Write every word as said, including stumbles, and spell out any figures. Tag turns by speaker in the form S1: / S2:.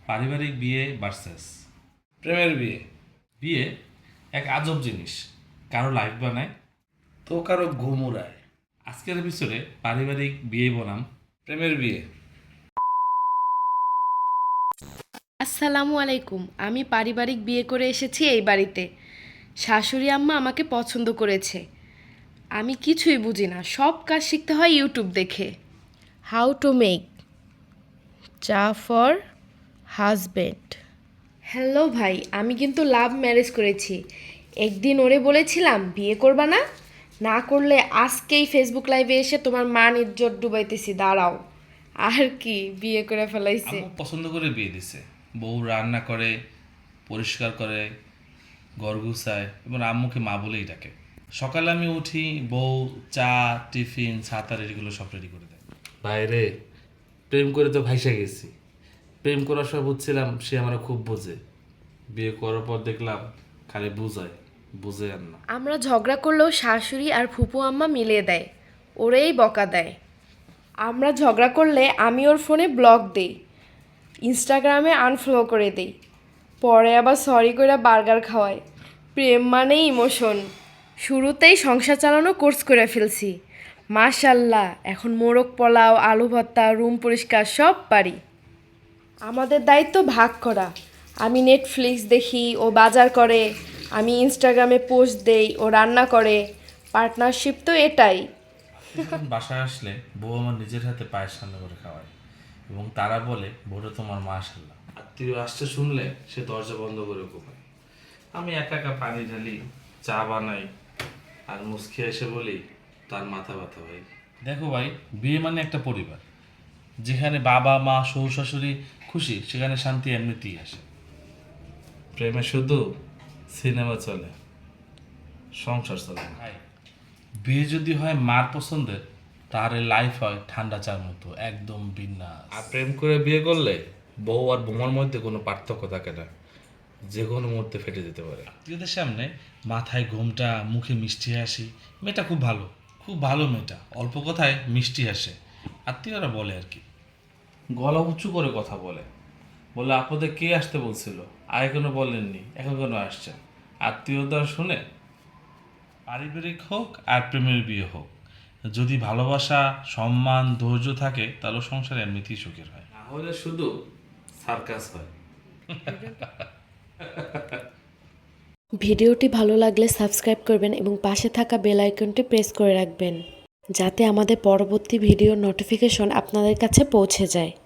S1: পারিবারিক বিয়ে ভার্সেস
S2: প্রেমের বিয়ে।
S1: বিয়ে এক আজব জিনিস, কারো লাইফ বানায়
S2: তো কারো ঘুম উড়ায়।
S1: আজকের এপিসোডে পারিবারিক বিয়ে বনাম
S2: প্রেমের বিয়ে।
S3: আসসালামু আলাইকুম। আমি পারিবারিক বিয়ে করে এসেছি এই বাড়িতে। শাশুড়ি আম্মা আমাকে পছন্দ করেছে। আমি কিছুই বুঝি না, সব কাজ শিখতে হয় ইউটিউব দেখে। How to make cha for husband. Hello ভাই, আমি কিন্তু লাভ ম্যারেজ করেছি। একদিন ওরে বলেছিলাম বিয়ে করবা না, না করলে আজকেই ফেসবুক লাইভে এসে তোমার মান ইজ্জত ডুবাইতেছি, দাঁড়াও। আর কি, বিয়ে করে ফেলাইছে।
S1: আম্মু পছন্দ করে বিয়ে দিছে। বউ রান্না করে, পরিষ্কার করে, ঘর গুছায় এবং আম্মুকে মা বলেই ডাকে। সকালে আমি উঠি, বউ চা, টিফিন, ছাতা এগুলো সব রেডি করে দেয়।
S4: বাইরে প্রেম করে তো ভাইসা গেছি। প্রেম করার সময় বুঝছিলাম সে আমার খুব বোঝে, বিয়ে করার পর দেখলাম খালি বুঝায়, বুঝে আর না।
S3: আমরা ঝগড়া করলেও শাশুড়ি আর ফুপু আম্মা মিলিয়ে দেয়, ওরেই বকা দেয়। আমরা ঝগড়া করলে আমি ওর ফোনে ব্লক দেই, ইনস্টাগ্রামে আনফলো করে দেই, পরে আবার সরি করে বার্গার খাওয়াই। প্রেম মানেই ইমোশন। শুরুতেই সংসার চালানো কোর্স করে ফেলছি, মাশাল্লাহ এখন মোরগ পোলাও, আলু ভর্তা, রুম পরিষ্কার সব পারি। আমাদের দায়িত্ব ভাগ করা। আমি নেটফ্লিক্স দেখি, ও বাজার করে। আমি ইনস্টাগ্রামে পোস্ট দেই, ও রান্না করে। পার্টনারশিপ তো এটাই।
S1: যখন বাসায় আসলে বউ আমার নিজের হাতে পায়েস রান্না করে খাওয়ায় এবং তারা বলে বউটা তোমার মাশাআল্লাহ।
S4: আত্মীয় আসছে শুনলে সে দরজা বন্ধ করে ঘুমায়। আমি একা একা পানি ঢালি, চা বানাই, আর মুসকি এসে বলি তার মাথা ব্যথা ভাই।
S1: দেখো ভাই, বিয়ে মানে একটা পরিবার, যেখানে বাবা মা শ্বশুর শাশুড়ি খুশি, সেখানে শান্তি এমনিতেই আসে।
S4: প্রেমে শুধু সিনেমা চলে, সংসার চলে না।
S1: ভাই, বিয়ে যদি হয় মার পছন্দের, তাহলে লাইফ হয় ঠান্ডা চার মতো, একদম বিন্যাস।
S4: আর প্রেম করে বিয়ে করলে বউ আর বোমার মধ্যে কোনো পার্থক্য থাকে না, যে কোনো মুহূর্তে ফেটে যেতে পারে।
S1: আত্মীয়দের সামনে মাথায় ঘোমটা, মুখে মিষ্টি হাসি, মেয়েটা খুব ভালো, খুব ভালো মেয়েটা, অল্প কথায় মিষ্টি হাসে, আত্মীয়রা বলে আর কি।
S4: গলা উঁচু করে কথা বলে, বলে আপদে কে আসতে বলছিল, আগে কেন বলেননি, এখন কেন আসছেন। আত্মীয়তা শুনে
S1: পারিবারিক হোক আর প্রেমের বিয়ে হোক, যদি ভালোবাসা, সম্মান, ধৈর্য থাকে, তাহলে সংসার এমনিতেই সুখের হয়।
S4: না হলে শুধু সার্কাস হয়।
S3: ভিডিওটি ভালো লাগলে সাবস্ক্রাইব করবেন এবং পাশে থাকা বেল আইকনটি প্রেস করে রাখবেন, যাতে আমাদের পরবর্তী ভিডিওর নোটিফিকেশন আপনাদের কাছে পৌঁছে যায়।